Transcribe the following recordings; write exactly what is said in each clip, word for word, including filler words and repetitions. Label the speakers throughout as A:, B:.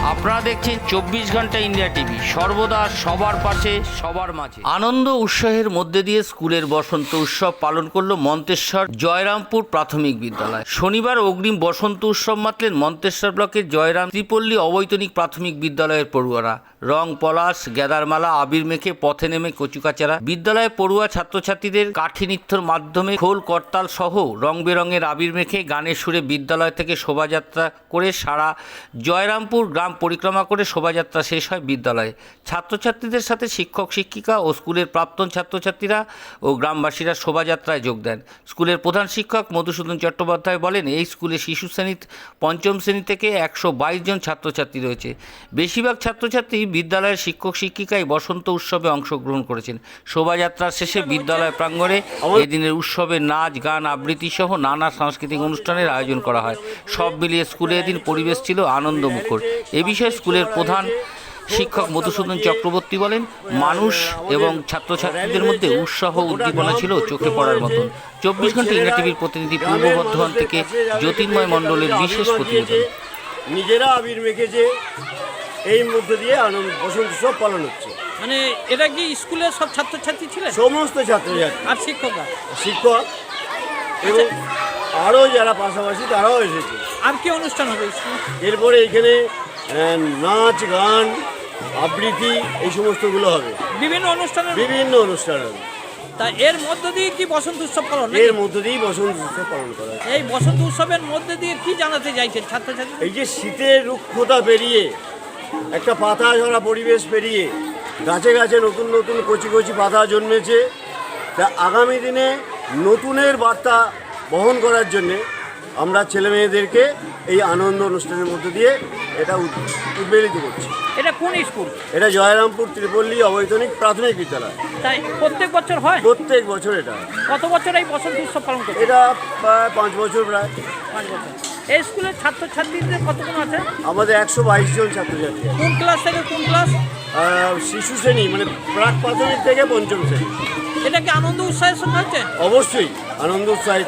A: আপনারা দেখছেন চব্বিশ ঘন্টা ইন্ডিয়া টিভি, সর্বদা সবার পাশে সবার মাঝে। আনন্দ উৎসাহের মধ্যে দিয়ে স্কুলের বসন্ত উৎসব পালন করলো মন্তেশ্বর জয়রামপুর প্রাথমিক বিদ্যালয়। শনিবার অগ্রিম বসন্ত উৎসব মাতলেন মন্তেশ্বর ব্লকের জয়রাম ত্রিপল্লী অবৈতনিক প্রাথমিক বিদ্যালয়ের পড়ুয়ারা। রং পলাশ গ্যাদারমালা আবির মেখে পথে নেমে কচুকাচারা বিদ্যালয়ে পড়ুয়া ছাত্রছাত্রীদের কাঠি নৃত্যের মাধ্যমে খোল করতাল সহ রং বেরঙের আবির মেখে গানের সুরে বিদ্যালয় থেকে শোভাযাত্রা করে সারা জয়রামপুর গ্রাম পরিক্রমা করে শোভাযাত্রা শেষ হয় বিদ্যালয়ে। ছাত্রছাত্রীদের সাথে শিক্ষক শিক্ষিকা ও স্কুলের প্রাক্তন ছাত্রছাত্রীরা ও গ্রামবাসীরা শোভাযাত্রায় যোগ দেন। স্কুলের প্রধান শিক্ষক মধুসূদন চট্টোপাধ্যায় বলেন, এই স্কুলে শিশু শ্রেণী পঞ্চম শ্রেণী থেকে একশো বাইশ জন ছাত্রছাত্রী রয়েছে। বেশিরভাগ ছাত্রছাত্রী বিদ্যালয়ের শিক্ষক শিক্ষিকাই বসন্ত উৎসবে অংশগ্রহণ করেছেন। শোভাযাত্রার শেষে বিদ্যালয় প্রাঙ্গণে এদিনের উৎসবে নাচ গান আবৃত্তি সহ নানা সাংস্কৃতিক অনুষ্ঠানের আয়োজন করা হয়। সব মিলিয়ে স্কুলে এদিন পরিবেশ ছিল আনন্দমুখর। এ বিষয়ে স্কুলের প্রধান শিক্ষক মধুসূদন চক্রবর্তী বলেন, মানুষ এবং ছাত্রছাত্রীদের মধ্যে উৎসাহ উদ্দীপনা ছিল চোখে পড়ার মতন। চব্বিশ ঘন্টা ইন্ডিয়া টিভির প্রতিনিধি পূর্ব বর্ধমান থেকে জ্যোতির্ময় মণ্ডলের বিশেষ প্রতিবেদন।
B: নিজেরা আবির মেখেছে, এই মধ্য দিয়ে আনন্দ বসন্ত উৎসব পালন হচ্ছে।
C: মানে এটা কি স্কুলের সব ছাত্রছাত্রী ছিলেন?
B: সমস্ত ছাত্রছাত্রী
C: আর শিক্ষকরা
B: শিক্ষক এবং আরও যারা পাশাপাশি তারাও এসেছে।
C: আর কি অনুষ্ঠান হবে স্কুলে?
B: এরপরে এখানে আহ, নাচ গান আবৃত্তি এই সমস্তগুলো হবে,
C: বিভিন্ন অনুষ্ঠানের
B: বিভিন্ন অনুষ্ঠান হবে।
C: তা এর মধ্য দিয়ে কি বসন্ত উৎসব পালন?
B: এর মধ্য দিয়েই বসন্ত উৎসব পালন করা হয়।
C: এই বসন্ত উৎসবের মধ্যে দিয়ে কি জানাতে চাইছেন ছাত্রছাত্রী?
B: এই যে শীতের রুক্ষতা পেরিয়ে একটা পাতা ঝরা পরিবেশ পেরিয়ে গাছে গাছে নতুন নতুন কচি কচি পাতা জন্মেছে, তা আগামী দিনে নতুনের বার্তা বহন করার জন্যে আমরা ছেলে মেয়েদেরকে এই আনন্দ অনুষ্ঠানের মধ্য দিয়ে এটা উদ্বেলিত করছি।
C: এটা কোন স্কুল?
B: এটা জয়রামপুর ত্রিপল্লী অবৈতনিক প্রাথমিক বিদ্যালয়।
C: তাই প্রত্যেক বছর হয়?
B: প্রত্যেক বছর এটা।
C: কত বছর এই বসন্ত উৎসব পালন করছে?
B: এটা প্রায় পাঁচ বছর প্রায়
C: পাঁচ বছর। এই স্কুলের ছাত্রছাত্রীদের কতজন আছে?
B: আমাদের একশো বাইশ জন ছাত্রছাত্রী।
C: কোন ক্লাস থেকে কোন ক্লাস?
B: শিশু শ্রেণী মানে প্রাক প্রাথমিক থেকে পঞ্চম শ্রেণী।
C: এটা কি আনন্দ উৎসাহের সঙ্গে হচ্ছে?
B: অবশ্যই আনন্দ উৎসাহিত।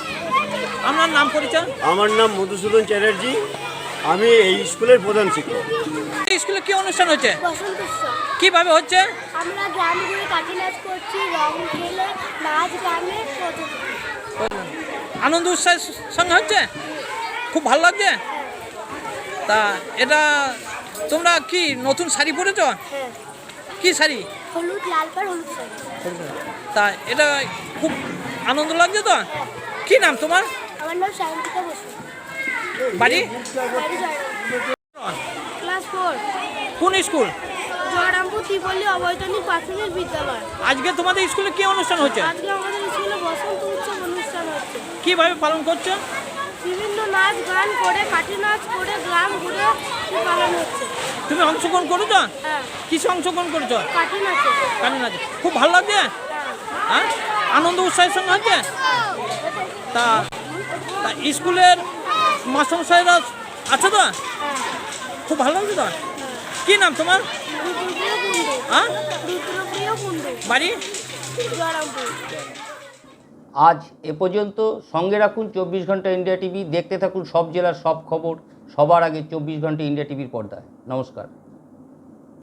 C: আপনার নাম পরিচয়?
B: আমার নাম মধুসূদন চ্যাটার্জি, আমি এই স্কুলের প্রধান শিক্ষক।
C: এই স্কুলে কি অনুষ্ঠান হচ্ছে?
D: বসন্ত উৎসব
C: কিভাবে হচ্ছে?
D: আমরা গ্রাম ঘুরে কাঠি নাচ করছি, রং খেলে নাচ গানে
C: আনন্দ উৎসাহের সঙ্গে হচ্ছে, খুব ভালো লাগছে। তা এটা তোমরা কি নতুন শাড়ি পরেছ?
D: হ্যাঁ,
C: কি শাড়ি?
D: হলুদ লাল পাড় হলুদ শাড়ি।
C: তা এটা খুব আনন্দ লাগছে তো। কি নাম তোমার?
D: আমার নাম সায়ন্তিকা বসু।
C: বাড়ি?
D: বাড়ি জয়রামপুর। Class four.
C: কোন স্কুল?
D: জয়রামপুর ত্রিপল্লী অবৈতনিক প্রাথমিক বিদ্যালয়।
C: আজকে তোমাদের স্কুলে কি অনুষ্ঠান হচ্ছে?
D: আজকে আমাদের স্কুলে বসন্ত উৎসব অনুষ্ঠান হচ্ছে।
C: কিভাবে পালন করছো?
D: বিভিন্ন নাচ গান করে কাঠি নাচ করে গ্রাম ঘুরে পালন হচ্ছে।
C: তুমি অংশগ্রহণ করেছো?
D: হ্যাঁ,
C: কিসে অংশগ্রহণ করেছো?
D: কাঠি নাচে।
C: কালী নাচে। খুব ভালো লাগছে? হ্যাঁ, আনন্দ উৎসাহের সঙ্গে হচ্ছে। তা তা স্কুলের মাস্টারমশাইরা আছে তো? খুব ভালো লাগছে তো। কি নাম তোমার?
D: রুদ্রপ্রিয় কুণ্ডু।
C: হ্যাঁ,
D: রুদ্রপ্রিয় কুণ্ডু।
C: বাড়ি?
D: জয়রামপুর।
A: আজ এ পর্যন্ত। সঙ্গে রাখুন চব্বিশ ঘন্টা ইন্ডিয়া টিভি। দেখতে থাকুন সব জেলার সব খবর সবার আগে চব্বিশ ঘন্টা ইন্ডিয়া টিভির পর্দায়। নমস্কার।